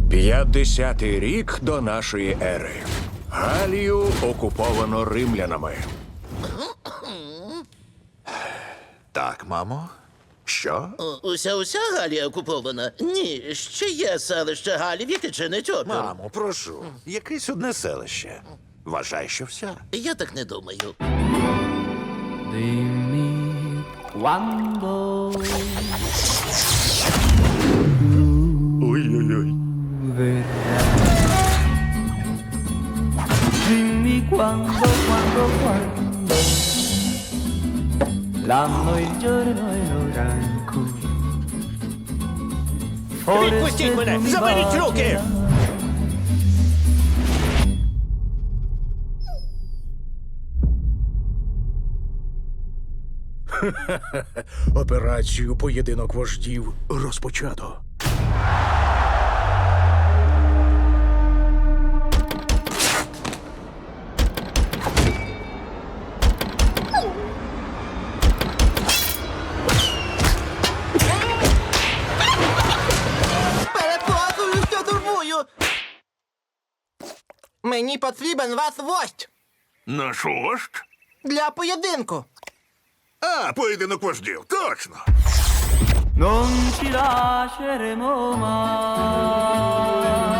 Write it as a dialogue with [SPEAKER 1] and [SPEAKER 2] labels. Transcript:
[SPEAKER 1] 50-й рік до нашої ери. Галію окуповано римлянами.
[SPEAKER 2] Так, мамо. Що?
[SPEAKER 3] Уся Галія окупована? Ні, ще є селище Галів, яке чинить опір.
[SPEAKER 2] Мамо, прошу. Якесь одне селище. Вважай, що вся.
[SPEAKER 3] Я так не думаю.
[SPEAKER 4] Dimmi quando
[SPEAKER 2] Ой-ой-ой.
[SPEAKER 4] verrai. Dimmi quando l'anno, il giorno e l'ora in cui
[SPEAKER 5] Відпустіть мене! Заберіть руки!
[SPEAKER 1] Операцію «Поєдинок вождів» розпочато.
[SPEAKER 6] Перепрошую, що турбую. Мені потрібен ваш вождь
[SPEAKER 2] Наш вождь?
[SPEAKER 6] для поєдинку.
[SPEAKER 2] А, поєдинок вождів, точно.
[SPEAKER 4] non ci lasceremo mai.